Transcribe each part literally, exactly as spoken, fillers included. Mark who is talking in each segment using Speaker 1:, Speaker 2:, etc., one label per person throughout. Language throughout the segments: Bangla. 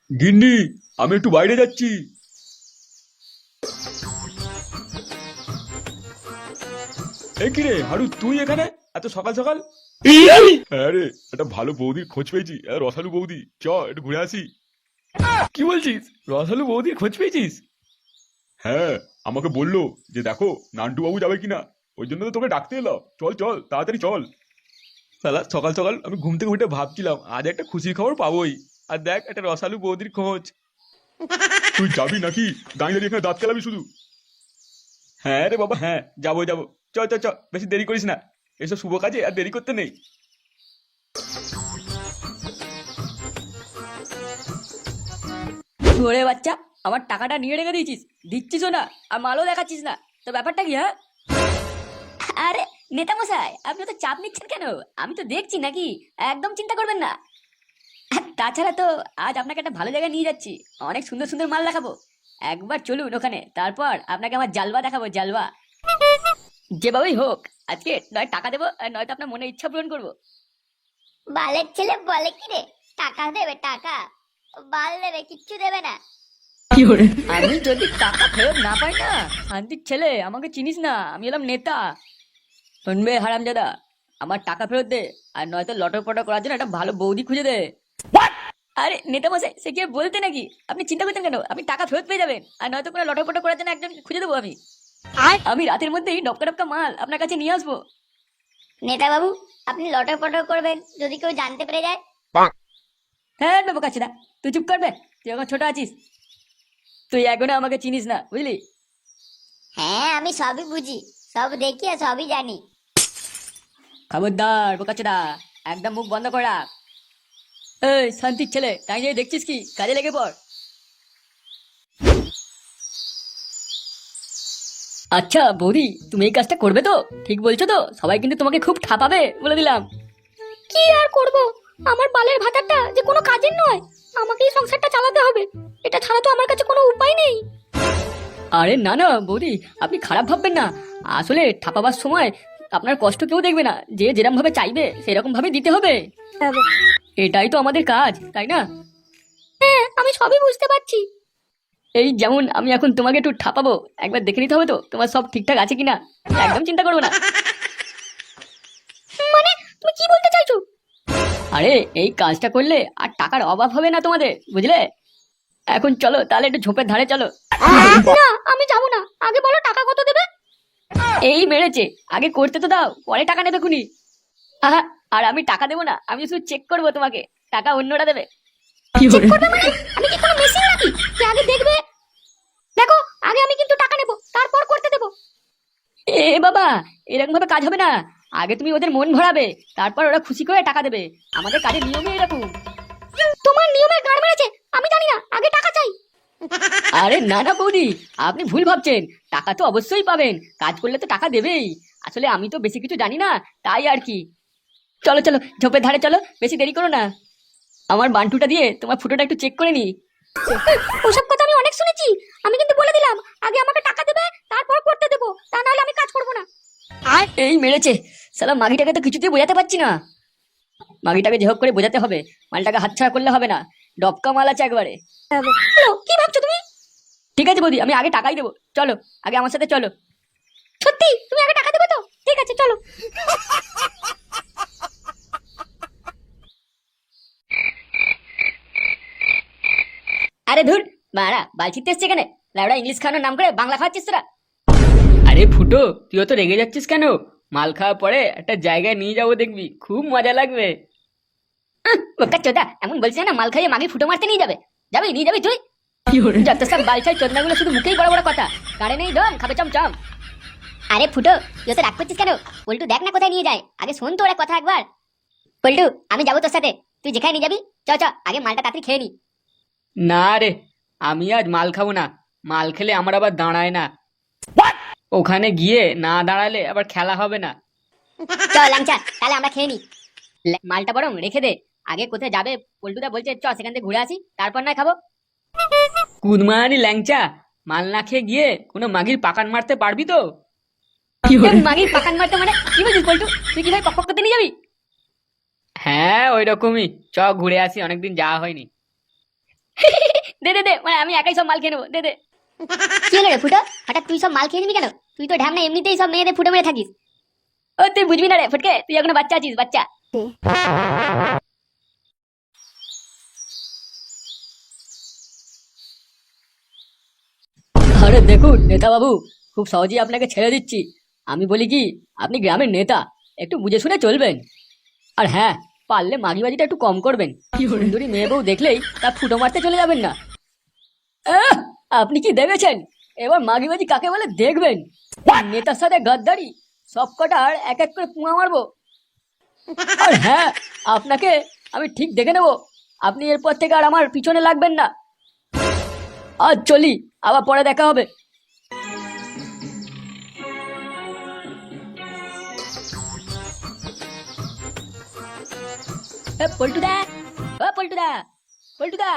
Speaker 1: গিন্নি, আমি একটু বাইরে যাচ্ছি। এ কি রে হারু, তুই এখানে এত সকাল সকাল? হ্যাঁ রে, একটা ভালো বৌদির খোঁজ পেয়েছি, আহ, রসালু বৌদি। চ একটু ঘুরে আসি। কি বলছিস? রসালু বৌদির খোঁজ পেয়েছিস? হ্যাঁ, আমাকে বললো যে দেখো নান্টু বাবু যাবে কিনা, ওই জন্য তো তোকে ডাকতে এলো। চল চল তাড়াতাড়ি চল। শালা সকাল সকাল আমি ঘুম থেকে উঠে ভাবছিলাম আজ একটা খুশির খবর পাবোই, আর দেখ একটা রসালু বৌদির খোঁজ। তুই যাবি নাকি? দাঁড়িয়ে দাঁড়িয়ে এখানে দাঁত কেলাবি শুধু? হ্যাঁ রে বাবা, হ্যাঁ যাবো যাবো। চ চ চ, বেশি দেরি করিস না, এসব শুভ কাজে আর দেরি করতে নেই।
Speaker 2: ওরে বাচ্চা, আমার টাকাটা নিয়ে রেখে দিয়েছিস, দিচ্ছিসও না, আর মালও দেখাচ্ছিস না, তো ব্যাপারটা কি? হ্যাঁ, আরে নেতা মশাই, আপনি তো চাপ নিচ্ছেন কেন? আমি তো দেখছি নাকি, একদম চিন্তা করবেন না। আর তাছাড়া তো আজ আপনাকে একটা ভালো জায়গায় নিয়ে যাচ্ছি, অনেক সুন্দর সুন্দর মাল দেখাবো। একবার চলুন ওখানে, তারপর আপনাকে আমার জালবা দেখাবো, জালবা। যেভাবেই হোক আজকে নয় টাকা দেবো, আর নয়তো আপনার মনে ইচ্ছা পূরণ করবো।
Speaker 3: বালের ছেলে বলে কি রে, টাকা দেবে টাকা? বাল দেবে, কিচ্ছু দেবে না।
Speaker 2: আমি যদি টাকা ফেরত না পাই না, শান্তির ছেলে, আমাকে চিনিস না, আমি এলাম নেতা। শুনবে হারামজাদা, আমার টাকা ফেরত দে, আর নয়তো লটর পটর করার জন্য একটা ভালো বৌদি খুঁজে দে। আরে নেতা মশাই, সে কি আর বলতে নাকি? আপনি চিন্তা করছেন কেন? আপনি টাকা ফেরত পেয়ে যাবেন, আর নয়তো কোনো লটর পটর করার জন্য একজন খুঁজে দেবো আমি। আমি রাতের মধ্যেই ডপকা ডপকা মাল আপনার কাছে নিয়ে আসবো।
Speaker 3: নেতা বাবু, আপনি লটর পটর করবেন যদি কেউ জানতে পেরে যায়?
Speaker 2: হ্যাঁ বাবু কাছে না, তুই চুপ করবে, তুই এখন ছোট আছিস, তুই এখনো আমাকে চিনিস না, বুঝলি?
Speaker 3: হ্যাঁ, আমি সবই বুঝি, সব দেখি আর সবই জানি।
Speaker 2: খবরদার বোকাচোদা, একদম মুখ বন্ধ কর রাখ। এই শান্তির ছেলে, তাই যে দেখছিস কি, কাজে লেগে পড়। আচ্ছা বৌদি, তুমি এই কাজটা করবে তো? ঠিক বলছো তো? সবাই কিন্তু তোমাকে খুব ঠাপাবে, বলে দিলাম।
Speaker 3: কি আর করব, আমার বালের ভাতাটা যে কোনো কাজের নয়, আমাকেই সংসারটা চালাতে হবে, এটা ছাড়া তো আমার কাছে কোনো উপায় নেই।
Speaker 2: আরে না না বৌদি, আপনি খারাপ ভাববেন না। আসলে ঠাপাবার সময় আপনার কষ্ট কেউ দেখবে না, যে যেরকম ভাবে চাইবে সেরকম ভাবে দিতে হবে। এটাই তো আমাদের কাজ, তাই না?
Speaker 3: হ্যাঁ, আমি সবই বুঝতে পারছি।
Speaker 2: এই যেমন আমি এখন তোমাকে একটু ঠাপাবো, একবার দেখে নিতে হবে তো তোমার সব ঠিকঠাক আছে কিনা। একদম চিন্তা করবো না।
Speaker 3: মানে তুমি কি বলতে চাইছো?
Speaker 2: আরে এই কাজটা করলে আর টাকার অভাব হবে না তোমাদের, বুঝলে? এখন চলো তাহলে একটু ঝোপের ধারে চলো।
Speaker 3: না, আমি যাবো না, আগে বলো টাকা কত দেবে?
Speaker 2: এই মেরেছে, আগে করতে তো দাও, পরে টাকা নেবে খুনি। আহা, আর আমি টাকা দেবো না, আমি শুধু চেক করবো তোমাকে, টাকা অন্যরা দেবে।
Speaker 3: চেক করবে মানে? আমি কি কোনো মেশিন নাকি যে আগে দেখবে? দেখো, আগে আমি কিন্তু টাকা নেব, তারপর করতে দেবো।
Speaker 2: এ বাবা, এরকম ভাবে কাজ হবে না। আগে তুমি ওদের মন ভরাবে, তারপর ওরা খুশি করে টাকা দেবে। আমাদের কাজের নিয়মই এরকম।
Speaker 3: তোমার নিয়মে গাড় মেরেছে, আমি জানি না, আগে টাকা চাই।
Speaker 2: আরে না না বৌদি, আপনি ভুল ভাবছেন, টাকা তো অবশ্যই পাবেন, কাজ করলে তো টাকা দেবেই। আসলে আমি তো বেশি কিছু জানি না, তাই আর কি। চলো চলো ঝোপের ধারে চলো, বেশি দেরি করো না। আমার বান্টুটা দিয়ে তোমার ফুটোটা একটু চেক করে নি।
Speaker 3: ওসব কথা আমি অনেক শুনেছি, আমি কিন্তু বলে দিলাম, আগে আমাকে টাকা দেবে, তারপর করতে দেবো, তা নাহলে আমি কাজ করবো না।
Speaker 2: আর এই মেরেছে, সালা মাগিটাকে তো কিছুতেই বোঝাতে পারছি না। মাগিটাকে যে হোক করে বোঝাতে হবে, মালটাকে হাতছাড়া করলে হবে না, ডবকা মাল আছে একবারে।
Speaker 3: হ্যালো, কি ভাবছো তুমি?
Speaker 2: ঠিক আছে বৌদি, আমি আগে টাকাই দেবো, চলো আগে আমার সাথে চলো।
Speaker 3: সত্যি তুমি আগে টাকা দেবে তো? ঠিক আছে, চলো।
Speaker 2: আরে ধুর, মারা বালছিতে এসছে এখানে, লাউডা ইংলিশ খাওয়ানোর নাম করে বাংলা খাওয়াচ্ছিস তোরা। আরে ফুটো, তুইও তো রেগে যাচ্ছিস কেন? মাল খাওয়ার পরে একটা জায়গায় নিয়ে যাবো, দেখবি খুব মজা লাগবে। ওকা চোদা, এমন বলছিস না মাল খাইয়ে মাগে ফুটো মারতে নিয়ে যাবে? যাবি, নিয়ে যাবি তুই? যত সব বালছাই চোদনাগুলো শুধু মুখেই বড় বড় কথা, কারে নেই দম, খাবে চমচম।
Speaker 3: আরে ফুটো, তুই তো রাগ করছিস কেন? পল্টু দেখ না কোথায় নিয়ে যায়, আগে শোন তো ওরা কথা একবার। পল্টু, আমি যাবো তোর সাথে, তুই যেখানে নিয়ে যাবি। চ চ, আগে মালটা তাড়াতাড়ি খেয়ে নি।
Speaker 2: না রে, আমি আজ মাল খাবো না, মাল খেলে আমার আবার দাঁড়ায় না। ওখানে গিয়ে না দাঁড়ালে আবার খেলা হবে না।
Speaker 3: চল ল্যাংচা, তাহলে আমরা খেয়ে নি।
Speaker 2: লে- মালটা বরং রেখে দে, আগে কোথায় যাবে পল্টুদা বলছে, চ সেখান থেকে ঘুরে আসি, তারপর না খাবো। কুদমানি ল্যাংচা, মাল না খেয়ে গিয়ে কোনো মাগির পাকান মারতে পারবি তো? মাগির পাকান মারতে মানে কি বলছিস পল্টু? তুই কি ভাই পক পক করতে নিয়ে যাবি? হ্যাঁ ওই রকমই, চ ঘুরে আসি, অনেকদিন যাওয়া হয়নি। দে দে দে মানে আমি একাই সব মাল খেয়ে নেবো, দে দে।
Speaker 3: কি হলো রে ফুটো, হঠাৎ তুই সব মাল খেয়ে নিবি কেন? তুই তো ঢ্যামনা এমনিতেই সব মেয়েদের ফুটো মেরে থাকিস।
Speaker 2: ও তুই বুঝবি না রে ফটকে, তুই এখনো বাচ্চা আছিস, বাচ্চা। আরে দেখুন নেতা বাবু, খুব সহজেই আপনাকে ছেড়ে দিচ্ছি। আমি বলি কি, আপনি গ্রামের নেতা, একটু বুঝে শুনে চলবেন। আর হ্যাঁ, পারলে মাগিবাজিটা একটু কম করবেন। সুন্দরী মেয়ে বউ দেখলেই তা ফুটো মারতে চলে যাবেন না। আহ, আপনি কি দেখেছেন? এবার মাগিবাজি কাকে বলে দেখবেন। নেতার সাথে গাদ্দারি, সব কটার এক এক করে পুঙা মারবো। আর হ্যাঁ, আপনাকে আমি ঠিক দেখে নেবো। আপনি এরপর থেকে আর আমার পিছনে লাগবেন না। আজ চলি, আবার পরে দেখা হবে। এ, পল্টুদা, ও পল্টুদা, পল্টুদা।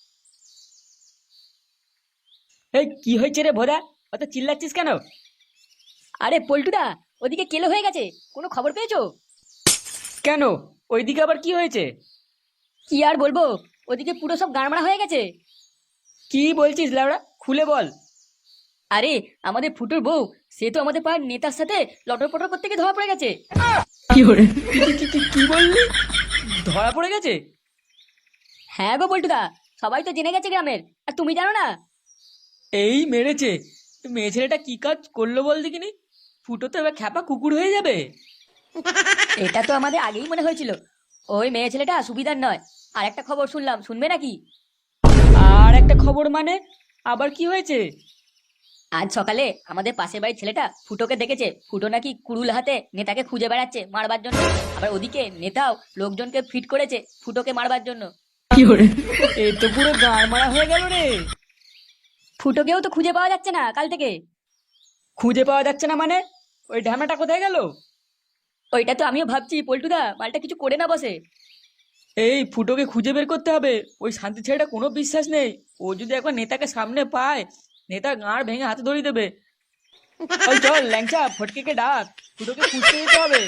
Speaker 2: এই কি হয়েছে রে ভোদা, অত চিল্লাচ্ছিস কেন? আরে পল্টুদা, ওদিকে কেলো হয়ে গেছে, কোনো খবর পেয়েছো? কেন, ওইদিকে আবার কি হয়েছে? কি আর বলবো, ওদিকে পুরো সব গাড়মাড়া হয়ে গেছে। কি বলছিস লাউড়া, খুলে বল। আরে আমাদের ফুটোর বউ, সে তো আমাদের পাড়ার নেতার সাথে লটর পটর করতে গিয়ে ধরা পড়ে গেছে। কি করে? কি বললি, ধরা পড়ে গেছে? হ্যাঁ গো পল্টুদা, সবাই তো জেনে গেছে গ্রামের, আর তুমি জানো না? এই মেরেছে, মেয়ে ছেলেটা কি কাজ করলো বল দেখিনি। ফুটো তো এবার খ্যাপা কুকুর হয়ে যাবে। এটা তো আমাদের আগেই মনে হয়েছিল, ওই মেয়ে ছেলেটা সুবিধার নয়। আর একটা খবর শুনলাম, শুনবে নাকি? আর একটা খবর মানে, আবার কি হয়েছে? আজ সকালে আমাদের পাশের বাড়ির ছেলেটা ফুটোকে দেখেছে, ফুটো নাকি কুড়ুল হাতে নেতাকে খুঁজে বেড়াচ্ছে মারবার জন্য। আবার ওদিকে নেতাও লোকজনকে ফিট করেছে ফুটোকে মারবার জন্য। কি করে, এই তো পুরো গাড় মারা হয়ে গেল রে। ফুটোকেও তো খুঁজে পাওয়া যাচ্ছে না কাল থেকে। খুঁজে পাওয়া যাচ্ছে না মানে, ওই ঢ্যামাটা কোথায় গেল? ওইটা তো আমিও ভাবছি পল্টুদা, মালটা কিছু করে না বসে। এই ফুটোকে খুঁজে বের করতে হবে, ওই শান্তি ছেলেটা কোনো বিশ্বাস নেই। ও যদি একবার নেতাকে সামনে পায়, নেতা গাঁড় ভেঙে হাতে ধরিয়ে দেবে। চল চল ল্যাংচা, ফটকেকে ডাক, ফুটোকে খুঁজতে যেতে হবে।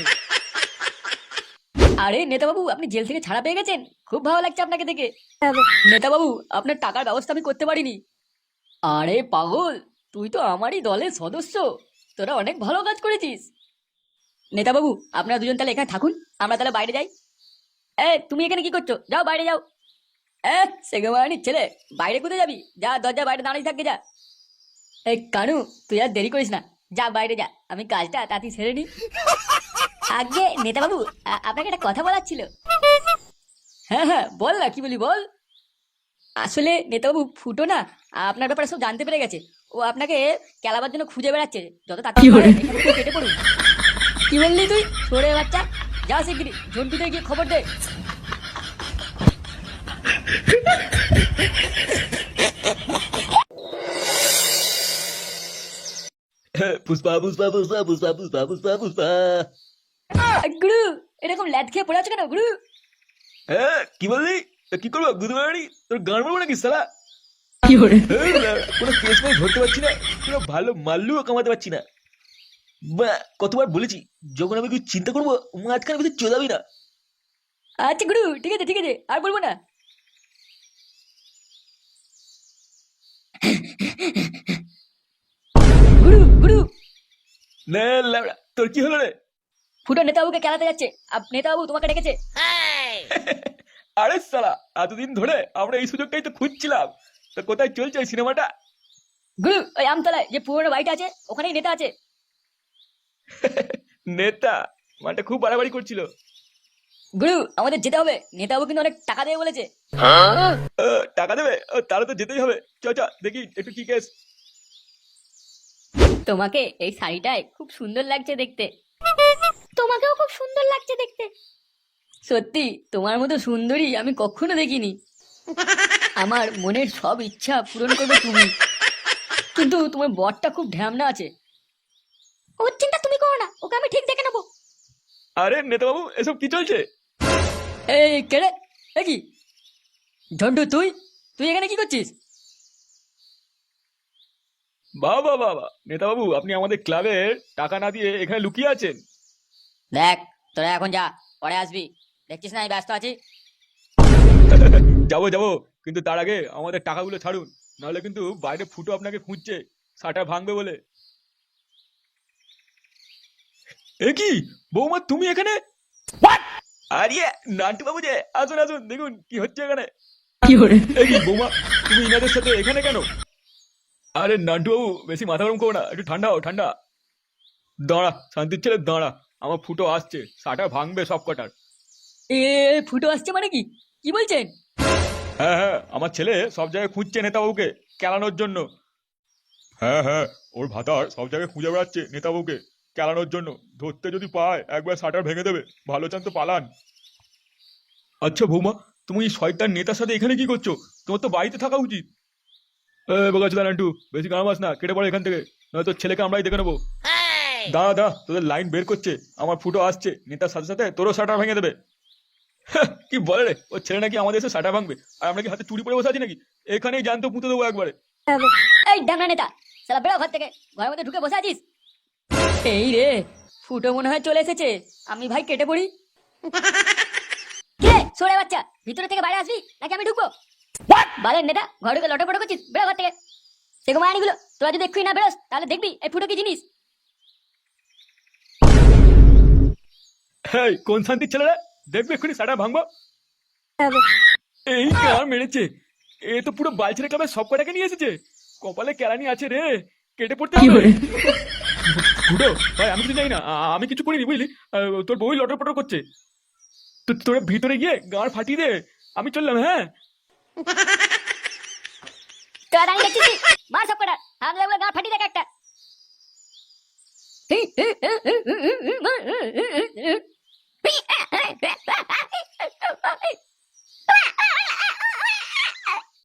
Speaker 2: আরে নেতা বাবু, আপনি জেল থেকে ছাড়া পেয়ে গেছেন, খুব ভালো লাগছে আপনাকে দেখে। নেতা বাবু, আপনার টাকার ব্যবস্থা আমি করতে পারিনি। আরে পাগল, তুই তো আমারই দলের সদস্য, তোরা অনেক ভালো কাজ করেছিস। নেতা বাবু, আপনারা দুজন তাহলে এখানে থাকুন, আমরা তাহলে বাইরে যাই। এ তুমি এখানে কি করছো, যাও বাইরে যাও। এ সেগমানির ছেলে, বাইরে কোথায় যাবি? যা দরজা বাইরে দাঁড়িয়ে থাকবে, যা। এই কানু, তুই আর দেরি করিস না, যা বাইরে যা, আমি কাজটা তাড়াতাড়ি সেরে নি। আগে নেতা বাবু, আপনাকে একটা কথা বলার ছিল। হ্যাঁ হ্যাঁ বল না, কি বলি বল। আসলে নেতাবাবু, ফুটো না আপনার ব্যাপারে সব জানতে পেরে গেছে। ও আপনাকে কেলাবার জন্য খুঁজে বেড়াচ্ছে, যত তাড়াতাড়ি পারে এখান থেকে কেটে পড়ুন। কি বললি তুই, সরে বাচ্চা, যা শিগগিরি ঝন্টুতে গিয়ে খবর দে।
Speaker 1: পুষ্পা পুষ্পা পুষ্পা পুষ্পা পুষ্পা পুষ্পা পুষ্পা।
Speaker 2: গুরু, এরকম ল্যাদ খেয়ে পড়ে আছো কেন গুরু?
Speaker 1: হ্যাঁ কি বললি, তা কি করবো গুদমানি, তোর গান মারবো নাকি সালা? কি করে, কোনো কেস মানে ধরতে পারছি না, কোনো ভালো মাল্লুও কামাতে পারছি না। বা কতবার বলেছি, যখন আমি কিছু চিন্তা করবো মাঝখানে কিছু চলাবি না।
Speaker 2: আচ্ছা গুরু, ঠিক আছে ঠিক আছে, আর বলবো না। গুরু গুরু,
Speaker 1: না লাউড়া, তোর কি হলো রে?
Speaker 2: ফুটো নেতাবাবুকে খেলাতে যাচ্ছে, আর নেতাবাবু তোমাকে ডেকেছে।
Speaker 1: আরে সালা, এতদিন ধরে আমরা এই সুযোগটাই তো খুঁজছিলাম, তো কোথায় চলছে ওই সিনেমাটা?
Speaker 2: গুরু, ওই আমতলায় যে পুরোনো বাড়িটা আছে, ওখানেই নেতা আছে।
Speaker 1: নেতা মানে খুব বাড়াবাড়ি করছিল।
Speaker 2: গুরু, আমাদের যেতে হবে, নেতাবাবু কিন্তু অনেক টাকা দেবে বলেছে।
Speaker 1: আহ, টাকা দেবে? ও, তাহলে তো যেতেই হবে। চ চ দেখি একটু কি কেস।
Speaker 2: তোমাকে এই শাড়িটায় খুব সুন্দর লাগছে দেখতে।
Speaker 3: তোমাকেও খুব সুন্দর লাগছে দেখতে।
Speaker 2: সত্যি তোমার মতো সুন্দরী আমি কখনো দেখিনি। আমার মনের সব ইচ্ছা পূরণ করবে তুমি, কিন্তু তোমার বরটা খুব ঢ্যামনা আছে।
Speaker 3: ওর চিন্তা তুমি করো না, ওকে আমি ঠিক দেখে নেবো।
Speaker 1: আরে নেতাবাবু, এসব কি চলছে?
Speaker 2: এই কেড়ে, এ কি ঝন্টু, তুই তুই এখানে কি করছিস?
Speaker 1: বাবা বাবা, নেতাবাবু আপনি আমাদের ক্লাবের টাকা না দিয়ে এখানে লুকিয়ে আছেন।
Speaker 2: দেখ, তোরা এখন যা, পরে আসবি, দেখছিস না আমি ব্যস্ত আছি।
Speaker 1: যাবো যাবো, কিন্তু তার আগে আমাদের টাকাগুলো ছাড়ুন, নাহলে কিন্তু বাইরে ফুটো আপনাকে খুঁজছে শাটার ভাঙবে বলে। এ কি বৌমা, তুমি এখানে? আরে নান্টু বাবু যে, আসুন আসুন, দেখুন কি হচ্ছে এখানে। এ কি বৌমা, তুমি ইনাদের সাথে এখানে কেন? আরে নান্টু বাবু, বেশি মাথা গরম করো না, একটু ঠান্ডা হও ঠান্ডা। দাঁড়া শান্তির ছেলে দাঁড়া, আমার ফুটো আসছে, শাটার ভাঙবে সব কটার।
Speaker 2: এ ফুটো আসছে মানে কি কি বলছেন?
Speaker 1: হ্যাঁ হ্যাঁ, আমার ছেলে সব জায়গায় খুঁজছে নেতাবাবুকে কেলানোর জন্য। হ্যাঁ হ্যাঁ, ওর ভাতার সব জায়গায় খুঁজে বেড়াচ্ছে নেতাবাবুকে কেলানোর জন্য। ধরতে যদি পায় একবার শাটার ভেঙে দেবে, ভালো চান তো পালান। আচ্ছা বৌমা, তুমি এই শয়তান নেতার সাথে এখানে কি করছো? তোমার তো বাড়িতে থাকা উচিত। এ বোকাচোদা নান্টু, বেশি গামাস না, কেটে পড়ে এখান থেকে, নয়তো ছেলেকে আমরাই দেখে নেবো। দাঁড়া দাঁড়া, তোদের লাইন বের করছে, আমার ফুটো আসছে, নেতার সাথে সাথে তোরও শাটার ভেঙে দেবে। কি বলে রে, ও ছেলে নাকি আমাদের এসে শাটার ভাঙবে, আর আমরা কি হাতে চুরি পরে বসে আছি নাকি? এখানেই জানতো পুঁতে দেবো একবারে।
Speaker 2: এই ডামনা নেতা, সালা বেরো ঘর থেকে, ঘরের মধ্যে ঢুকে বসে আছিস। এই রে, ফুটো মনে হয় চলে এসেছে, আমি ভাই কেটে পড়ি। কে সরে বাচ্চা, ভিতরে থেকে বাইরে আসবি নাকি আমি ঢুকবো? বালের নেতা, ঘরে ঢুকে লটর পটর করছিস, বেরো ঘর থেকে। সেগো মায়ানিগুলো, তোরা যদি এক্ষুনি না বেরোস তাহলে দেখবি এই ফুটো কি জিনিস।
Speaker 1: এই কোন শান্তির ছেলেরা, দেখবে এক্ষুনি শাটার ভাঙবো। এই কার মেরেছে, এ তো পুরো বালছেড়ে ক্লাবের সব কটাকে নিয়ে এসেছে। কপালে কেলানি আছে রে, কেটে পড়তে হবে। ফুটো ভাই, আমি কিছু জানি না, আ- আমি কিছু করিনি বুঝলি, আহ, তোর বই লটর পটর করছে। তো তোরা ভিতরে গিয়ে গাঁড় ফাটিয়ে দে, আমি চললাম। হ্যাঁ
Speaker 2: তোরা দাঁড়িয়ে দেখছিস, মার সব কটা, হামলা হামলা গা ফাটি দেখ একটা।